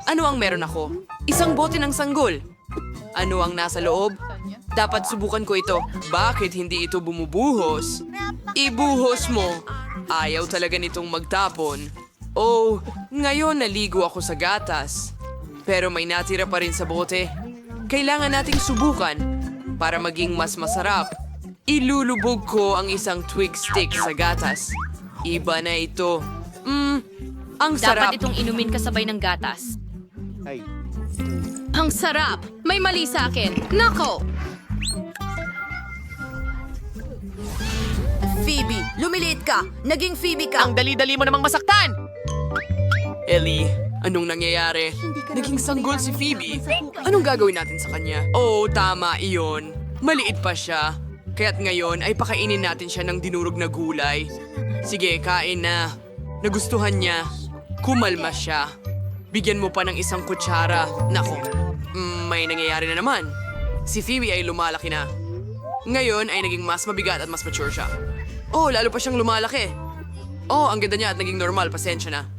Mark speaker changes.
Speaker 1: Ano ang meron ako? Isang bote ng sanggol. Ano ang nasa loob? Dapat subukan ko ito. Bakit hindi ito bumubuhos? Ibuhos mo. Ayaw talaga nitong magtapon. Oh, ngayon naligo ako sa gatas. Pero may natira pa rin sa bote. Kailangan nating subukan para maging mas masarap. Ilulubog ko ang isang twig stick sa gatas. Iba na ito. Ang sarap.
Speaker 2: Dapat itong inumin kasabay ng gatas. Ang sarap! May mali sa akin. Nako!
Speaker 3: Phoebe, lumiliit ka. Naging Phoebe ka.
Speaker 4: Ang dali-dali mo namang masaktan!
Speaker 1: Ellie, anong nangyayari? Naging sanggol si Phoebe. Anong gagawin natin sa kanya? Oh, tama, iyon. Maliit pa siya. Kaya't ngayon ay pakainin natin siya ng dinurog na gulay. Sige, kain na. Nagustuhan niya. Kumalma siya. Bigyan mo pa ng isang kutsara. Nako, may nangyayari na naman. Si Phoebe ay lumalaki na. Ngayon ay naging mas mabigat at mas mature siya. Oh, lalo pa siyang lumalaki. Oh, ang ganda niya at naging normal. Pasensya na.